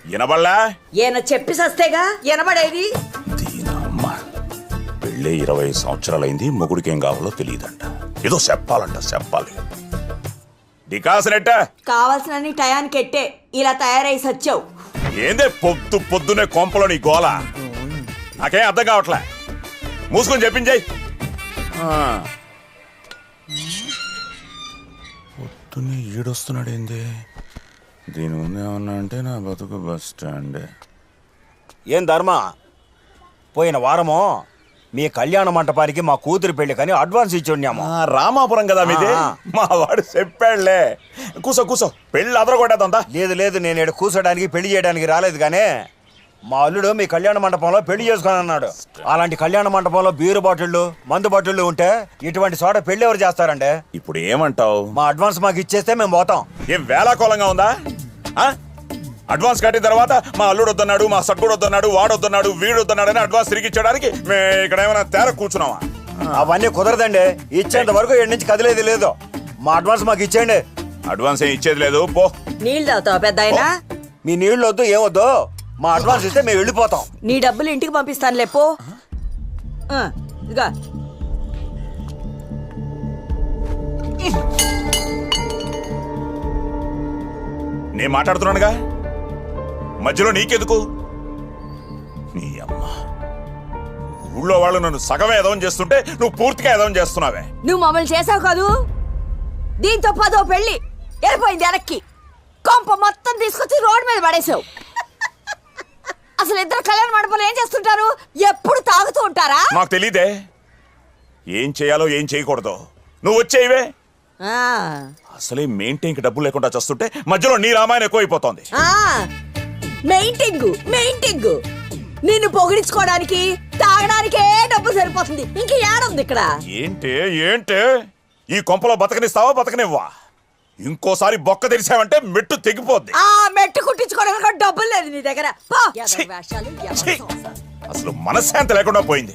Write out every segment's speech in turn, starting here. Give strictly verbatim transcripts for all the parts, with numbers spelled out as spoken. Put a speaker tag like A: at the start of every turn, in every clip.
A: వినబడలా?
B: ఈయన చెప్పి సస్తేగా వినబడేది.
A: దీనమ్మ పెళ్ళే ఇరవై సంవత్సరాలైంది, మొగుడికి ఏం కావాలో తెలియదంట. ఏదో చెప్పాలంట, చెప్పాలి. డికాసనెట్ట
B: కావాల్సిన టయానికి ఎట్టే ఇలా తయారై సచ్చావు.
A: ఏందే పొద్దు పొద్దునే కొంపలో నీ గోల? నాకేం అర్థం కావట్లే. మూసుకొని చెప్పించాయి. పొద్దున్నే ఈడొస్తున్నాడు ఏంది? దీని ముందు ఏమన్నా అంటే నా బతుకు బస్ స్టాండ్.
C: ఏం ధర్మ, పోయిన వారము మీ కళ్యాణ మంటపానికి మా కూతురు పెళ్లి కానీ అడ్వాన్స్ ఇచ్చి ఉన్నాము.
A: రామాపురం కదా మీది? మా వాడు చెప్పాడులే. కూసో కూసో, పెళ్ళి అదరగొట్టేద్దా?
C: లేదు లేదు, నేను ఇక్కడ కూర్చోడానికి పెళ్లి చేయడానికి రాలేదు. కానీ మా అల్లుడు మీ కళ్యాణ మండపంలో పెళ్లి చేసుకొని అన్నాడు. అలాంటి కళ్యాణ మండపంలో బీరు బాటిళ్ళు, మందు బాటిళ్ళు ఉంటే ఇటువంటి చోట పెళ్లి ఎవరు చేస్తారండి?
A: ఇప్పుడు ఏమంటావు?
C: మా అడ్వాన్స్ మాకు ఇచ్చేస్తే మేము పోతాం.
A: ఏం వేలాకోలంగా ఉందా? అడ్వాన్స్ కట్టిన తర్వాత మా అల్లుడు వద్దన్నాడు, మా సట్టుడు వద్దన్నాడు, వాడు వద్దన్నాడు, వీడు వద్దన్నాడు అని అడ్వాన్స్ తిరిగి ఇచ్చడానికి మేము ఇక్కడ ఏమైనా తేర కూర్చున్నావా?
C: అవన్నీ కుదరదండి. ఇచ్చేంత వరకు ఎన్ని నుంచి కదిలేదు లేదు. మా అడ్వాన్స్ మాకు ఇచ్చేయండి.
A: అడ్వాన్స్ ఏం ఇచ్చేది లేదు, పో.
B: నీళ్ళు తాగుతావు పెద్ద ఆయన?
C: మీ నీళ్ళు వద్దు, ఏమొద్దు. మా అడ్వాన్స్ ఇస్తే మేము వెళ్ళిపోతాం.
B: నీ డబ్బులు ఇంటికి పంపిస్తాను లేపో. ఇదిగా
A: నేను మాట్లాడుతున్నానుగా, మధ్యలో నీకెందుకు? నీ అమ్మ, ఊళ్ళో వాళ్ళు నన్ను సగమే ఎదవం చేస్తుంటే నువ్వు పూర్తిగా ఎదవం చేస్తున్నావే.
B: నువ్వు మమ్మల్ని చేసావు కాదు, దీంతో పదో పెళ్ళి వెళ్ళిపోయింది వెనక్కి. కొంప మొత్తం తీసుకొచ్చి రోడ్డు మీద పడేసావు. అసలు ఇద్దరు కళ్యాణ మండపంలో ఏం చేస్తుంటారు? ఎప్పుడు తాగుతూ ఉంటారా?
A: నాకు తెలీదే ఏం చేయాలో ఏం చేయకూడదు. నువ్వు వచ్చేయివే. అసలే మెయింటైన్కి డబ్బులు లేకుండా చేస్తుంటే మధ్యలో నీ రామాయణం ఎక్కువైపోతోంది.
B: మెయింటింగ్ మెయింటింగ్ నిన్ను పొగిడించుకోవడానికి తాగడానికే డబ్బు సరిపోతుంది. ఇంక ఏడుంది ఇక్కడ?
A: ఏంటి ఏంటి ఈ కొంపలో బతకనిస్తావా బతకనివ్వా? ఇంకోసారి బొక్క తెరిచావంటే మెట్టు తెగిపోద్ది.
B: ఆ మెట్టు కుట్టించుకోవడానికి డబ్బులు లేదు నీ దగ్గర.
A: అసలు మనశ్శాంతి లేకుండా పోయింది.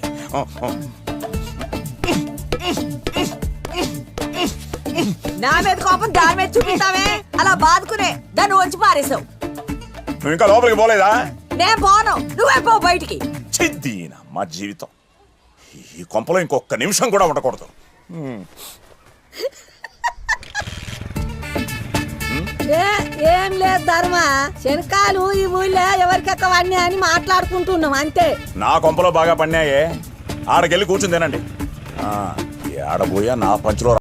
B: నా మీద కోపం దాని మీద చూపిస్తావే, అలా బాదుకునే దాన్ని వచ్చి పారేసావు.
A: నువ్వు ఇంకా లోపలికి పోలేదా?
B: నేను పోను, నువ్వే పో బయటికి.
A: చిద్దీనా మా జీవితం ఈ కొంపలో ఇంకొక నిమిషం కూడా ఉండకూడదు.
B: ఏం లేదు ధర్మ, శనకాలు ఈ ఊళ్ళో ఎవరికెక్కవన్నీ అని మాట్లాడుకుంటున్నాం అంతే.
A: నా కొంపలో బాగా పన్నాయే, ఆడకెళ్ళి కూర్చుని తినండి. ఆడబోయా నా పంచులో